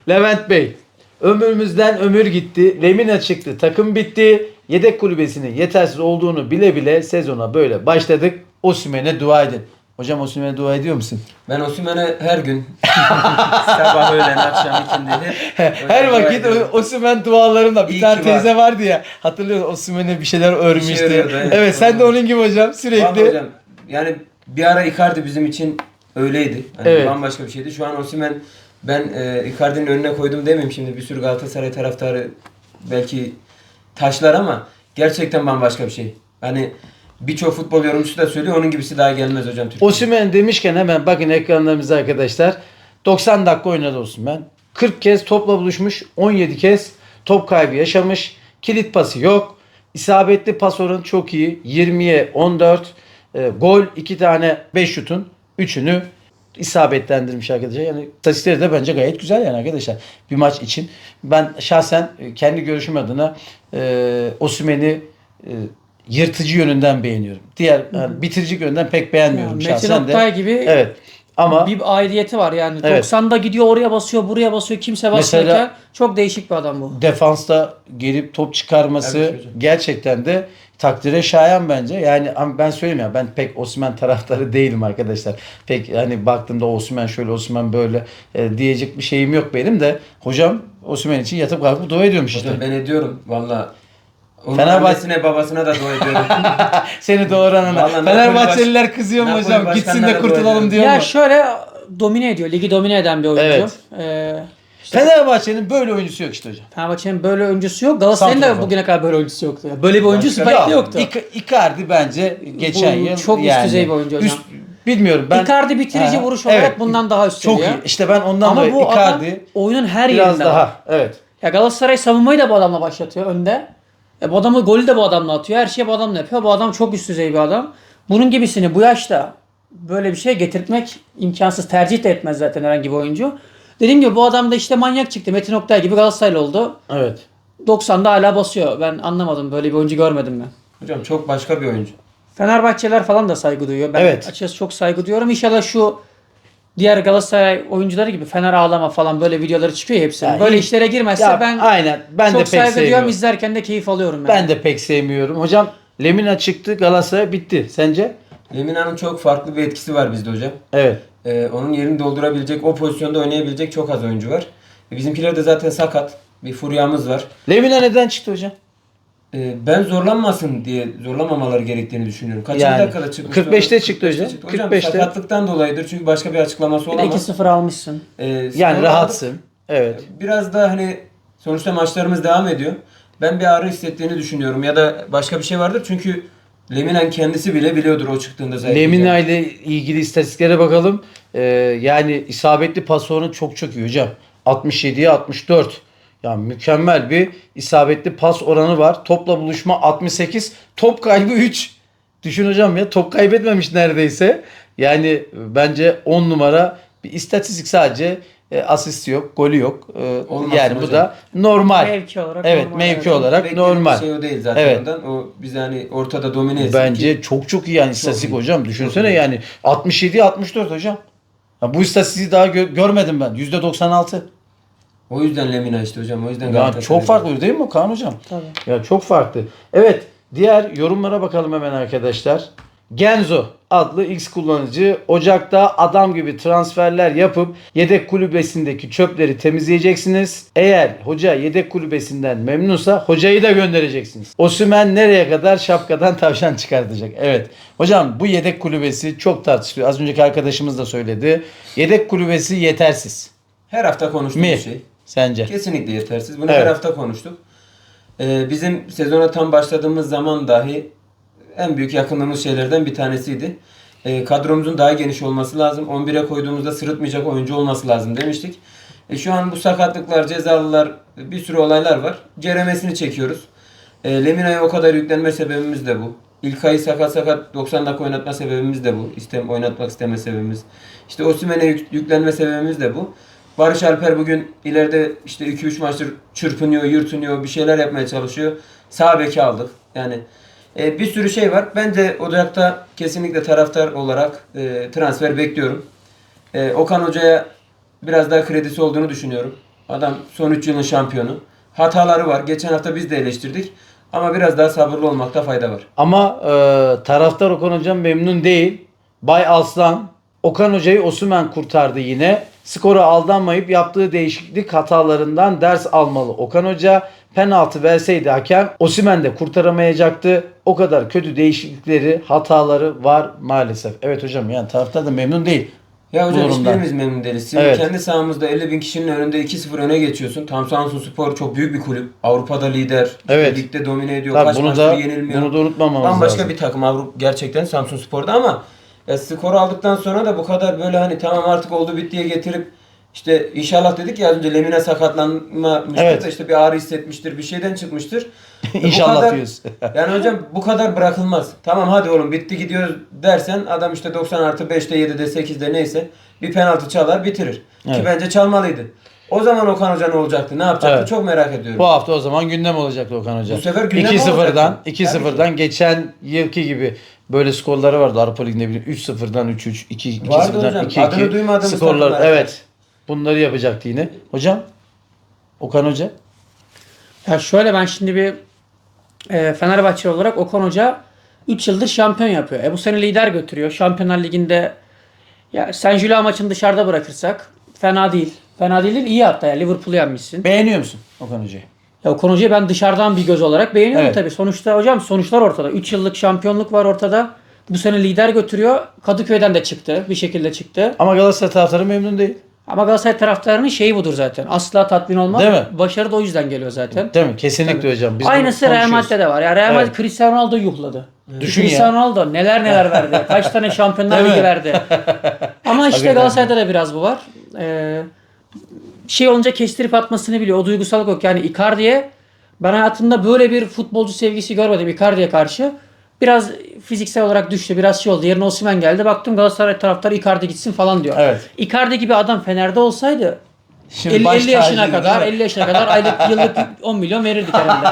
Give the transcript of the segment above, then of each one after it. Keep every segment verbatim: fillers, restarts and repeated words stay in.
Levent Bey, ömrümüzden ömür gitti, Lemina çıktı, takım bitti. Yedek kulübesinin yetersiz olduğunu bile bile sezona böyle başladık. Osimhen'e dua edin. Hocam Osimhen'e dua ediyor musun? Ben Osimhen'e her gün sabah, öğlen, akşam, ikindi hep Her dua vakit ediyorum. o- Osimhen dualarında bir İyi tane ki teyze var. vardı ya. Hatırlıyor Osimhen'e bir şeyler örmüştü. örüyordu, evet. evet sen de onun gibi hocam Vallahi sürekli. hocam, yani bir ara Icardi bizim için öyleydi. Hani Evet. bambaşka bir şeydi. Şu an Osimhen, ben e, Icardi'nin önüne koydum demeyeyim şimdi, bir sürü Galatasaray taraftarı belki taşlar ama gerçekten bambaşka bir şey. Hani birçok futbol yorumcusu da söylüyor, onun gibisi daha gelmez hocam Türkiye'de. Osimhen demişken hemen bakın ekranlarımıza arkadaşlar. doksan dakika oynadı Osimhen. kırk kez topla buluşmuş. on yedi kez top kaybı yaşamış. Kilit pası yok. İsabetli pas oranı çok iyi. yirmiye on dört. E, gol iki tane beş şutun üçünü isabetlendirmiş arkadaşlar. Yani istatistikleri de bence gayet güzel yani arkadaşlar. Bir maç için. Ben şahsen e, kendi görüşüm adına e, Osimhen'i e, yırtıcı yönünden beğeniyorum. Diğer yani bitirici yönünden pek beğenmiyorum Metin şahsen de. Oktay gibi Evet. Ama bir aidiyeti var yani. Evet. doksanda gidiyor, oraya basıyor, buraya basıyor, kimse basmıyorken Mesela- çok değişik bir adam bu. defansta gelip top çıkarması Evet hocam. gerçekten de takdire şayan bence. Yani ama ben söyleyeyim ya, ben pek Osimhen taraftarı değilim arkadaşlar. Pek hani baktığımda Osimhen şöyle, Osimhen böyle e, diyecek bir şeyim yok benim de. Hocam Osimhen için yatıp kalkıp dua ediyormuş işte. Hocam ben ediyorum valla. Onun Fenerbahçe- annesine babasına da dua ediyorum. Seni doğuran ana. Vallahi Fenerbahçeliler kızıyor mu Napoli hocam? Gitsin de başkanına da kurtulalım dua diyor Ya mu? şöyle domine ediyor. Ligi domine eden bir oyuncu. Evet. Ee, işte Fenerbahçe'nin böyle oyuncusu yok işte hocam. Fenerbahçe'nin böyle oyuncusu yok. Galatasaray'ın da Santrafor. bugüne kadar böyle oyuncusu yoktu. Ya. Böyle bir oyuncu Başka- Süper Lig'de Ya, yoktu. Ica- Icardi bence geçen Bu yıl çok üst yani, düzey bir oyuncu hocam. üst- bilmiyorum ben. Icardi bitirici Ha, vuruş olarak evet. bundan daha üst Çok seviye. iyi. İşte ben ondan Ama dolayı bu adam Icardi oyunun her biraz yerinde daha. var. Evet. Ya Galatasaray savunmayı da bu adamla başlatıyor önde. E bu adamı golü de bu adamla atıyor. Her şeyi bu adamla yapıyor. Bu adam çok üst düzey bir adam. Bunun gibisini bu yaşta böyle bir şey getirtmek imkansız. Tercih de etmez zaten herhangi bir oyuncu. Dediğim gibi bu adam da işte manyak çıktı. Metin Oktay gibi Galatasaraylı oldu. Evet. doksanda hala basıyor. Ben anlamadım. Böyle bir oyuncu görmedim ben. Hocam çok başka bir oyuncu. Fenerbahçeler falan da saygı duyuyor. Ben Evet. açıkçası çok saygı duyuyorum. İnşallah şu diğer Galatasaray oyuncuları gibi Fener ağlama falan böyle videoları çıkıyor ya hepsinin. Ya böyle iyi- işlere girmezse Ya ben aynen. Ben çok de pek saygı duyuyorum. sevmiyorum. İzlerken de keyif alıyorum. Yani. Ben de pek sevmiyorum. Hocam Lemina çıktı, Galatasaray bitti. Sence? Lemina'nın çok farklı bir etkisi var bizde hocam. Evet. Ee, onun yerini doldurabilecek, o pozisyonda oynayabilecek çok az oyuncu var. E, bizimkiler de zaten sakat. Bir furyamız var. Lemina neden çıktı hocam? Ee, ben zorlanmasın diye, zorlamamaları gerektiğini düşünüyorum. Kaçıncı Yani, dakikada çıkmış? kırk beşte çıktı hocam. Hocam kırk beşte. sakatlıktan dolayıdır çünkü başka bir açıklaması Bir de olamaz. iki sıfır almışsın. Ee, Yani skoru rahatsın. aldık. Evet. Biraz da hani sonuçta maçlarımız devam ediyor. Ben bir ağrı hissettiğini düşünüyorum ya da başka bir şey vardır çünkü Lemina kendisi bile biliyordur o çıktığında zaten. Lemina ile ilgili istatistiklere bakalım. Ee, yani isabetli pas oranı çok çok iyi hocam. altmış yediye altmış dört. Yani mükemmel bir isabetli pas oranı var. Topla buluşma altmış sekiz. Top kaybı üç. Düşün hocam ya, top kaybetmemiş neredeyse. Yani bence on numara bir istatistik, sadece e, asist yok, golü yok. E, Olmasın yani bu hocam. da normal. Mevki olarak Evet, normal, mevki evet. olarak Beklediğimiz normal. şey o değil zaten Evet. ondan. O bizi hani ortada domine etsin Bence ki- çok çok iyi yani istatistik iyi. hocam. Düşünsene Çok iyi. yani altmış yedi altmış dört hocam. Ya bu istatistiği daha gö- görmedim ben. yüzde doksan altı. O yüzden Lemina işte hocam. O yüzden Ya Galatasaray. çok farklı değil mi Kaan hocam? Tabii. Ya çok farklı. Evet, diğer yorumlara bakalım hemen arkadaşlar. Genzo adlı X kullanıcı Ocak'ta adam gibi transferler yapıp yedek kulübesindeki çöpleri temizleyeceksiniz. Eğer hoca yedek kulübesinden memnunsa hocayı da göndereceksiniz. Osimhen nereye kadar şapkadan tavşan çıkartacak? Evet. Hocam bu yedek kulübesi çok tartışılıyor. Az önceki arkadaşımız da söyledi. Yedek kulübesi yetersiz. Her hafta konuştuğumuz Mi? şey. Sence? Kesinlikle yetersiz. Bunu Evet. her hafta konuştuk. Ee, bizim sezona tam başladığımız zaman dahi en büyük yakınlığımız şeylerden bir tanesiydi. Ee, kadromuzun daha geniş olması lazım. on bire koyduğumuzda sırıtmayacak oyuncu olması lazım demiştik. E, şu an bu sakatlıklar, cezalılar, bir sürü olaylar var. Ceremesini çekiyoruz. E, Lemina'ya o kadar yüklenme sebebimiz de bu. İlkay'ı sakat sakat doksan dakika oynatma sebebimiz de bu. İstem, oynatmak isteme sebebimiz. İşte Osimhen'e yük, yüklenme sebebimiz de bu. Barış Alper bugün ileride işte iki üç maçtır çırpınıyor, yırtınıyor, bir şeyler yapmaya çalışıyor. Sağ beki aldık. Yani e, bir sürü şey var. Ben de Ocak'ta kesinlikle taraftar olarak e, transfer bekliyorum. E, Okan Hoca'ya biraz daha kredisi olduğunu düşünüyorum. Adam son üç yılın şampiyonu. Hataları var. Geçen hafta biz de eleştirdik. Ama biraz daha sabırlı olmakta fayda var. Ama e, taraftar Okan Hocam memnun değil. Bay Aslan Okan Hoca'yı Osimhen kurtardı yine. Skora aldanmayıp yaptığı değişiklik hatalarından ders almalı. Okan Hoca penaltı verseydi hakem Osimhen de kurtaramayacaktı. O kadar kötü değişiklikleri, hataları var maalesef. Evet hocam, yani taraftar da memnun değil. Ya hocam Bu durumdan. hiçbirimiz memnun değiliz. Şimdi Evet. kendi sahamızda elli bin kişinin önünde iki sıfır öne geçiyorsun. Tam Samsunspor çok büyük bir kulüp. Avrupa'da lider. Evet. Ligde domine ediyor. Tabii Kaç bunu maçtır da yenilmiyor. bunu da unutmamamız Bambaşka lazım. bir takım Avrupa gerçekten Samsunspor'da ama ya, skoru aldıktan sonra da bu kadar böyle hani tamam artık oldu bittiye getirip işte inşallah dedik ya az önce Lemine sakatlanmamıştır Evet. da işte bir ağrı hissetmiştir, bir şeyden çıkmıştır. Bu İnşallah kadar- diyoruz. Yani hocam bu kadar bırakılmaz. Tamam hadi oğlum bitti gidiyoruz dersen adam işte doksan artı beşte yedide sekizde neyse bir penaltı çalar bitirir. Evet. Ki bence çalmalıydı. O zaman Okan Hoca ne olacaktı? Ne yapacaktı? Evet. Çok merak ediyorum. Bu hafta o zaman gündem olacaktı Okan Hoca. Bu sefer gündem iki sıfırdan olacaktı. iki Tabii sıfırdan geçen yılki gibi böyle skorları vardı Avrupa Ligi'nde, bile üç sıfırdan üç üç, iki Vardı sıfırdan hocam. iki Adını iki duymadığımız skorlar. takımlar. Evet. Bunları yapacaktı yine. Hocam Okan Hoca Ya şöyle, ben şimdi bir e, Fenerbahçeli olarak Okan Hoca üç yıldır şampiyon yapıyor. E bu sene lider götürüyor. Şampiyonlar Ligi'nde ya Saint Gilloise maçını dışarıda bırakırsak fena değil. Fena değil, değil iyi hatta ya. Liverpool'u yenmişsin. beğeniyor musun Okan Hoca'yı? Ya Okan Hoca'yı ben dışarıdan bir göz olarak beğeniyorum Evet. tabii. Sonuçta hocam sonuçlar ortada. üç yıllık şampiyonluk var ortada. Bu sene lider götürüyor. Kadıköy'den de çıktı. Bir şekilde çıktı. Ama Galatasaray taraftarı memnun değil. Ama Galatasaray taraftarının şeyi budur zaten. Asla tatmin olmaz. Değil mi? Başarı da o yüzden geliyor zaten. Değil mi? Kesinlikle hocam. Biz Aynısı bunu Real konuşuyoruz. Madrid'de de var. Ya Real Madrid Evet. Cristiano Ronaldo'yu yuhladı. Düşün Cristiano ya. Ronaldo neler neler verdi. Kaç tane Şampiyonlar Değil mi? Ligi verdi. Ama işte Hakikaten. Galatasaray'da da biraz bu var. Ee, şey olunca kestirip atmasını biliyor. O duygusallık yok. Yani Icardi'ye, ben hayatımda böyle bir futbolcu sevgisi görmedim Icardi'ye karşı. Biraz fiziksel olarak düştü. Biraz şey oldu. Yerine Osimhen geldi. Baktım Galatasaray taraftarı Icardi gitsin falan diyor. Evet. Icardi gibi adam Fener'de olsaydı Şimdi elli, baş elli yaşına tacıydı, kadar değil mi? elli yaşına kadar aylık yıllık on milyon verirdik herhalde.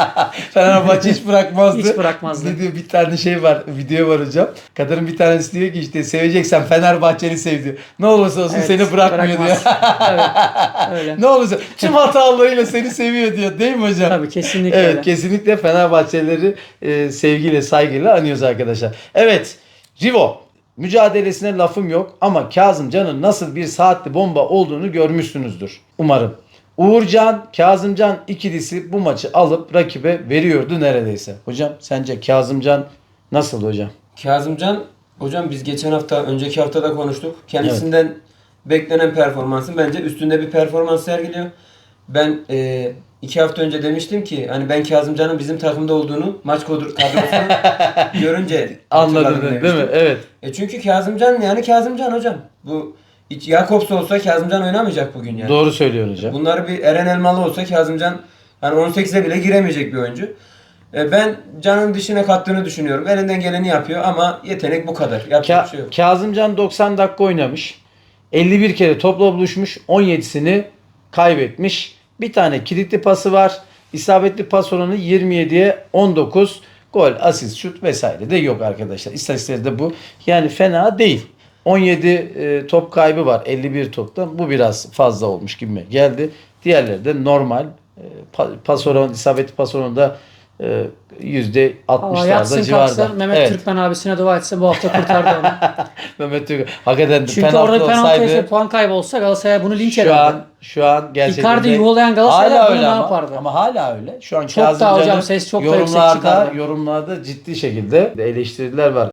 Fenerbahçe hiç bırakmazdı. Hiç bırakmazdı. Ne diyor, bir tane şey var, video var hocam. Kadının bir tanesi diyor ki işte seveceksen Fenerbahçeli sev diyor. Ne olursa olsun Evet, seni bırakmıyor bırakmaz. diyor. Evet, öyle. Ne olursa tüm hatalarıyla seni seviyor diyor. Değil mi hocam? Tabii, kesinlikle Evet, öyle. kesinlikle Fenerbahçelileri e, sevgiyle, saygıyla anıyoruz arkadaşlar. Evet, Rivo mücadelesine lafım yok ama Kazımcan'ın nasıl bir saatli bomba olduğunu görmüşsünüzdür umarım. Uğurcan, Kazımcan ikilisi bu maçı alıp rakibe veriyordu neredeyse. Hocam sence Kazımcan nasıl hocam? Kazımcan hocam biz geçen hafta önceki hafta da konuştuk. Kendisinden beklenen performansın bence üstünde bir performans sergiliyor. Ben e, iki hafta önce demiştim ki hani ben Kazımcan'ın bizim takımda olduğunu maç kadro- kadrosunu görünce Anladın hatırladım değil mi? demiştim. Evet. E çünkü Kazımcan yani Kazımcan hocam. Bu hiç Jakobs olsa Kazımcan oynamayacak bugün yani. Doğru söylüyorsun hocam. Bunları bir Eren Elmalı olsa Kazımcan hani on sekize bile giremeyecek bir oyuncu. E, ben Can'ın dişine kattığını düşünüyorum. Elinden geleni yapıyor ama yetenek bu kadar. Yapacak bir şey Ka- yok. Kazımcan doksan dakika oynamış. elli bir kere topla buluşmuş. on yedisini kaybetmiş. Bir tane kilitli pası var. İsabetli pas oranı yirmi yediye on dokuz. Gol, asist, şut vesaire de yok arkadaşlar. İstatistikleri de bu. Yani fena değil. on yedi e, top kaybı var elli bir topta. Bu biraz fazla olmuş gibi geldi. Diğerleri de normal. E, pa- pas oranı, isabetli pas oranı da e, yüzde Allah altmışlarda yatsın civarında. kalksın Mehmet Evet. Türkmen abisine dua etse bu hafta kurtardı onu. Mehmet Türk hakikaten Çünkü penaltı orada penaltı olsaydı yese puan kaybı olsa Galatasaray bunu linç şu ederdi. an şu an gerçekten Icardi de- yuhalayan Galatasaraylar hala bunu öyle ne ama, yapardı? ama hala öyle. Şu an Çok daha Kazımcan'ın hocam ses çok da yüksek yorumlarda çıkardı. yorumlarda ciddi şekilde eleştiriler var.